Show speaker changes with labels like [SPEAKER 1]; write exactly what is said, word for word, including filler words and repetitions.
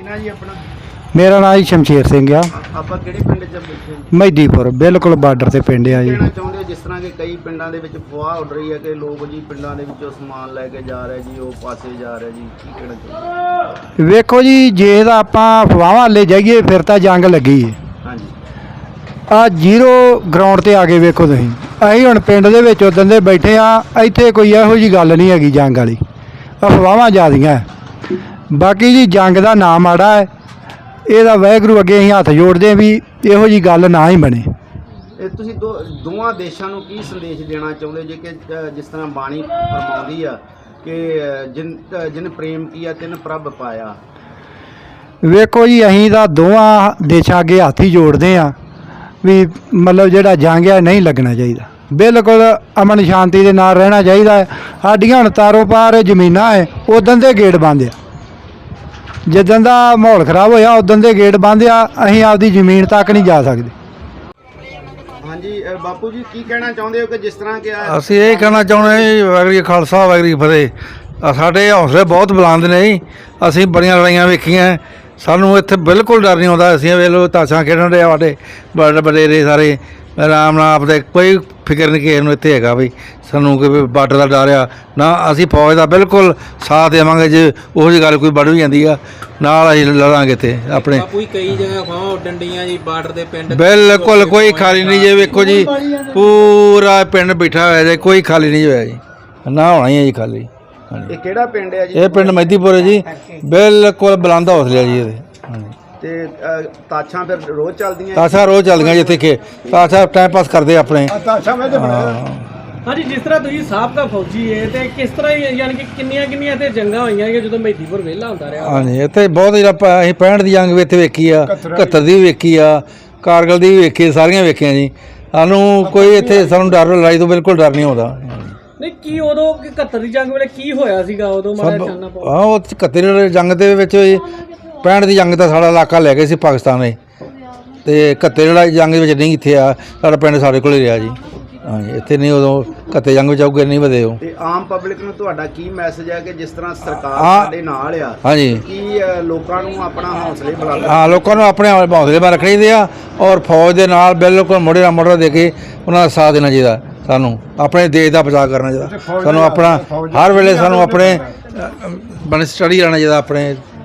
[SPEAKER 1] ਨਾਂ ਜੀ ਆਪਣਾ?
[SPEAKER 2] ਮੇਰਾ ਨਾਮ ਜੀ ਸ਼ਮਸ਼ੇਰ ਸਿੰਘ ਆ।
[SPEAKER 1] ਆਪਾਂ ਕਿਹੜੇ ਪਿੰਡ 'ਚ ਬੈਠੇ?
[SPEAKER 2] ਮਹਿਦੀਪੁਰ ਬਿਲਕੁਲ ਬਾਰਡਰ ਤੇ ਪਿੰਡ ਆ ਜੀ।
[SPEAKER 1] ਕਹਿਣਾ ਚਾਹੁੰਦੇ ਹੋ ਜਿਸ ਤਰ੍ਹਾਂ ਕਿ ਕਈ ਪਿੰਡਾਂ ਦੇ ਵਿੱਚ ਅਫਵਾਹ ਉੱਡ ਰਹੀ ਹੈ ਕਿ ਲੋਕ ਜੀ ਪਿੰਡਾਂ ਦੇ ਵਿੱਚੋਂ ਸਮਾਨ ਲੈ ਕੇ ਜਾ ਰਹੇ ਜੀ, ਉਹ ਪਾਸੇ ਜਾ ਰਹੇ ਜੀ, ਕੀ ਕਹਿਣਾ ਚਾਹੁੰਦੇ?
[SPEAKER 2] ਵੇਖੋ ਜੀ, ਜੇ ਤਾਂ ਆਪਾਂ ਅਫਵਾਹਾਂ ਲੈ ਜਾਈਏ ਫਿਰ ਤਾਂ ਜੰਗ ਲੱਗੀ ਹੈ।
[SPEAKER 1] ਹਾਂਜੀ।
[SPEAKER 2] ਆ ਜ਼ੀਰੋ ਗਰਾਊਂਡ ਤੇ ਆ ਕੇ ਵੇਖੋ ਤੁਸੀਂ, ਅਸੀਂ ਹੁਣ ਪਿੰਡ ਦੇ ਵਿੱਚ ਉਦੋਂ ਦੇ ਬੈਠੇ ਆ, ਇੱਥੇ ਕੋਈ ਇਹੋ ਜੀ ਗੱਲ ਨਹੀਂ ਹੈਗੀ ਜੰਗ ਵਾਲੀ, ਅਫਵਾਹਾਂ ਜ਼ਿਆਦੀਆਂ। ਬਾਕੀ ਜੀ ਜੰਗ ਦਾ ਨਾਂ ਮਾੜਾ ਹੈ, ਇਹਦਾ ਵਾਹਿਗੁਰੂ ਅੱਗੇ ਅਸੀਂ ਹੱਥ ਜੋੜਦੇ ਵੀ ਇਹੋ ਜੀ ਗੱਲ ਨਾ ਹੀ ਬਣੇ।
[SPEAKER 1] ਇਹ ਤੁਸੀਂ ਦੋ ਦੋਵਾਂ ਦੇਸ਼ਾਂ ਨੂੰ ਕੀ ਸੰਦੇਸ਼ ਦੇਣਾ ਚਾਹੁੰਦੇ ਜੇ ਕਿ ਅ, ਜਿਸ ਤਰ੍ਹਾਂ ਬਾਣੀ ਫਰਮਾਉਂਦੀ ਆ ਕਿ ਅ, ਜਿਨ ਅ, ਜਿਨ ਪ੍ਰੇਮ ਕੀਆ ਤਿਨ ਪ੍ਰਭ ਪਾਇਆ।
[SPEAKER 2] ਵੇਖੋ ਜੀ, ਅਸੀਂ ਤਾਂ ਦੋਵਾਂ ਦੇਸ਼ਾਂ ਅੱਗੇ ਹੱਥ ਹੀ ਜੋੜਦੇ ਆ ਵੀ ਮਤਲਬ ਜਿਹੜਾ ਜੰਗ ਹੈ ਨਹੀਂ ਲੱਗਣਾ ਚਾਹੀਦਾ, ਬਿਲਕੁਲ ਅਮਨ ਸ਼ਾਂਤੀ ਦੇ ਨਾਲ ਰਹਿਣਾ ਚਾਹੀਦਾ ਹੈ। ਸਾਡੀਆਂ ਹੁਣ ਤਾਰੋਂ ਪਾਰ ਜ਼ਮੀਨਾਂ ਹੈ, ਉਦੋਂ ਦੇ ਗੇਟ ਬੰਦ ਆ। ਜਿੱਦਣ ਦਾ ਮਾਹੌਲ ਖਰਾਬ ਹੋਇਆ ਉਦੋਂ ਦੇ ਗੇਟ ਬੰਦ ਆ, ਅਸੀਂ ਆਪਦੀ ਜ਼ਮੀਨ ਤੱਕ ਨਹੀਂ ਜਾ ਸਕਦੇ।
[SPEAKER 1] ਹਾਂਜੀ ਅ, ਬਾਪੂ ਜੀ ਕੀ ਕਹਿਣਾ ਚਾਹੁੰਦੇ ਹੋ ਕਿ ਜਿਸ ਤਰ੍ਹਾਂ ਕਿ ਆ-
[SPEAKER 3] ਅਸੀਂ ਇਹ ਕਹਿਣਾ ਚਾਹੁੰਦੇ ਹਾਂ ਜੀ, ਵਾਹਿਗੁਰੂ ਜੀ ਖਾਲਸਾ ਵਾਹਿਗੁਰੂ ਜੀ ਫਤਿਹ। ਆਹ ਸਾਡੇ ਹੌਸਲੇ ਬਹੁਤ ਬੁਲੰਦ ਨੇ ਜੀ, ਅਸੀਂ ਬੜੀਆਂ ਲੜਾਈਆਂ ਵੇਖੀਆਂ, ਸਾਨੂੰ ਇੱਥੇ ਬਿਲਕੁਲ ਡਰ ਨਹੀਂ ਆਉਂਦਾ। ਅਸੀਂ ਵੇਖ ਲਓ ਤਾਸ਼ਾਂ ਖੇਡਣ ਦੇ ਸਾਡੇ ਬੜੇ ਵਡੇਰੇ ਸਾਰੇ ਆਰਾਮ ਨਾਲ ਆਪਦੇ, ਕੋਈ ਫਿਕਰ ਨਹੀਂ ਕਿਸੇ ਨੂੰ ਇੱਥੇ ਹੈਗਾ ਵੀ ਸਾਨੂੰ ਕਿ ਬਾਰਡਰ ਦਾ ਡਰ ਆ ਨਾ। ਅਸੀਂ ਫੌਜ ਦਾ ਬਿਲਕੁਲ ਸਾਥ ਦੇਵਾਂਗੇ, ਜੇ ਉਹੋ ਜਿਹੀ ਗੱਲ ਕੋਈ ਬੜ ਵੀ ਜਾਂਦੀ ਆ ਨਾਲ ਅਸੀਂ ਲੜਾਂਗੇ ਇੱਥੇ ਆਪਣੇ।
[SPEAKER 4] ਬਾਪੂ ਜੀ ਕਈ ਜਗ੍ਹਾ ਅਫਵਾਹਾਂ ਉੱਡਣ ਡੀਆਂ ਜੀ ਬਾਰਡਰ ਦੇ ਪਿੰਡ
[SPEAKER 3] ਬਿਲਕੁਲ ਕੋਈ ਖਾਲੀ ਨਹੀਂ ਜੇ, ਵੇਖੋ ਜੀ ਪੂਰਾ ਪਿੰਡ ਬੈਠਾ ਹੋਇਆ ਜੇ, ਕੋਈ ਖਾਲੀ ਨਹੀਂ ਹੋਇਆ ਜੀ, ਨਾ ਹੋਣਾ ਹੀ ਹੈ ਜੀ ਖਾਲੀ। ਹਾਂਜੀ,
[SPEAKER 1] ਇਹ ਕਿਹੜਾ ਪਿੰਡ ਹੈ ਜੀ?
[SPEAKER 3] ਇਹ ਪਿੰਡ ਮਹਿਦੀਪੁਰ ਹੈ ਜੀ, ਬਿਲਕੁਲ ਬੁਲੰਦ ਹੌਸਲੇ ਜੀ ਇਹਦੇ। ਹਾਂਜੀ,
[SPEAKER 1] ਤੇ ਅ, ਤਾਸ਼ਾਂ ਫਿਰ ਰੋਜ਼ ਚੱਲਦੀਆਂ?
[SPEAKER 3] ਤਾਸ਼ਾਂ ਰੋਜ਼ ਚੱਲਦੀਆਂ ਜੀ ਇੱਥੇ, ਕਿ ਤਾਸ਼ਾਂ ਟਾਈਮ ਪਾਸ ਕਰਦੇ ਆਪਣੇ।
[SPEAKER 5] ਹਾਂਜੀ, ਜਿਸ ਤਰ੍ਹਾਂ ਤੁਸੀਂ ਸਾਬਕਾ ਫੌਜੀ ਹੈ ਤੇ ਕਿਸ ਤਰ੍ਹਾਂ ਹੀ ਯਾਨੀ ਕਿ ਕਿੰਨੀਆਂ ਕਿੰਨੀਆਂ ਤੇ ਜੰਗਾਂ ਹੋਈਆਂ ਕਿ ਜਦੋਂ ਮਹਿਦੀਪੁਰ ਵਿਹਲਾ ਹੁੰਦਾ ਰਿਹਾ?
[SPEAKER 3] ਹਾਂਜੀ, ਇੱਥੇ ਬਹੁਤ ਹੀ ਆਪਾਂ ਅਸੀਂ ਪੈਂਹਠ ਦੀ ਜੰਗ ਵੀ ਇੱਥੇ ਵੇਖੀ ਆ, ਇਕਹੱਤਰ ਦੀ ਵੀ ਵੇਖੀ ਆ, ਕਾਰਗਿਲ ਦੀ ਵੀ ਵੇਖੀ, ਸਾਰੀਆਂ ਵੇਖੀਆਂ ਜੀ। ਸਾਨੂੰ ਕੋਈ ਇੱਥੇ ਸਾਨੂੰ ਡਰ ਲੜਾਈ ਤੋਂ ਬਿਲਕੁਲ ਡਰ ਨਹੀਂ ਆਉਂਦਾ।
[SPEAKER 5] ਨਹੀਂ, ਕੀ ਉਦੋਂ ਇਕਹੱਤਰ ਦੀ ਜੰਗ ਵੇਲੇ ਕੀ ਹੋਇਆ ਸੀਗਾ ਉਦੋਂ ਮਾੜਾ ਜਾਨਣਾ ਪਾਓ?
[SPEAKER 3] ਹਾਂ, ਉਹ ਇਕਹੱਤਰ ਦੀ ਜੰਗ ਦੇ ਵਿੱਚ ਪੈਂਹਠ ਦੀ ਜੰਗ ਤਾਂ ਸਾਡਾ ਇਲਾਕਾ ਲੈ ਗਏ ਸੀ ਪਾਕਿਸਤਾਨ ਨੇ, ਤੇ ਇਕਹੱਤਰ ਦੀ ਜੰਗ ਦੇ ਵਿੱਚ ਨਹੀਂ ਇੱਥੇ ਆ, ਸਾਡਾ ਪਿੰਡ ਸਾਡੇ ਕੋਲ ਹੀ ਰਿਹਾ ਜੀ। ਹਾਂਜੀ, ਇੱਥੇ ਨਹੀਂ ਉਦੋਂ ਇਕਹੱਤਰ ਜੰਗ ਵਿੱਚ ਆਉਗੇ ਨਹੀਂ ਵਧੇ ਉਹ।
[SPEAKER 1] ਤੇ ਆਮ ਪਬਲਿਕ ਨੂੰ ਤੁਹਾਡਾ ਕੀ ਮੈਸੇਜ ਹੈ ਕਿ ਜਿਸ ਤਰ੍ਹਾਂ ਸਰਕਾਰ
[SPEAKER 3] ਹਾਂ।
[SPEAKER 1] ਸਾਡੇ ਨਾਲ ਆ,
[SPEAKER 3] ਹਾਂਜੀ,
[SPEAKER 1] ਕੀ ਅ, ਲੋਕਾਂ ਨੂੰ ਆਪਣਾ ਹੌਸਲੇ ਬੁਲੰਦ?
[SPEAKER 3] ਹਾਂ, ਲੋਕਾਂ ਨੂੰ ਆਪਣੇ ਹੌਸਲੇ ਬਾਰੇ ਰੱਖਣੇ ਚਾਹੀਦੇ ਆ, ਔਰ ਫੌਜ ਦੇ ਨਾਲ ਬਿਲਕੁਲ ਮੋਢੇ ਨਾਲ ਮੋਢਾ ਦੇ ਕੇ ਉਹਨਾਂ ਦਾ ਸਾਥ ਦੇਣਾ ਚਾਹੀਦਾ। ਸਾਨੂੰ ਆਪਣੇ ਦੇਸ਼ ਦਾ ਬਚਾਅ ਕਰਨਾ ਚਾਹੀਦਾ, ਸਾਨੂੰ ਆਪਣਾ ਹਰ ਵੇਲੇ ਸਾਨੂੰ ਆਪਣੇ ਬਣ ਸਟੱਡੀ ਰਹਿਣਾ ਚਾਹੀਦਾ ਆਪਣੇ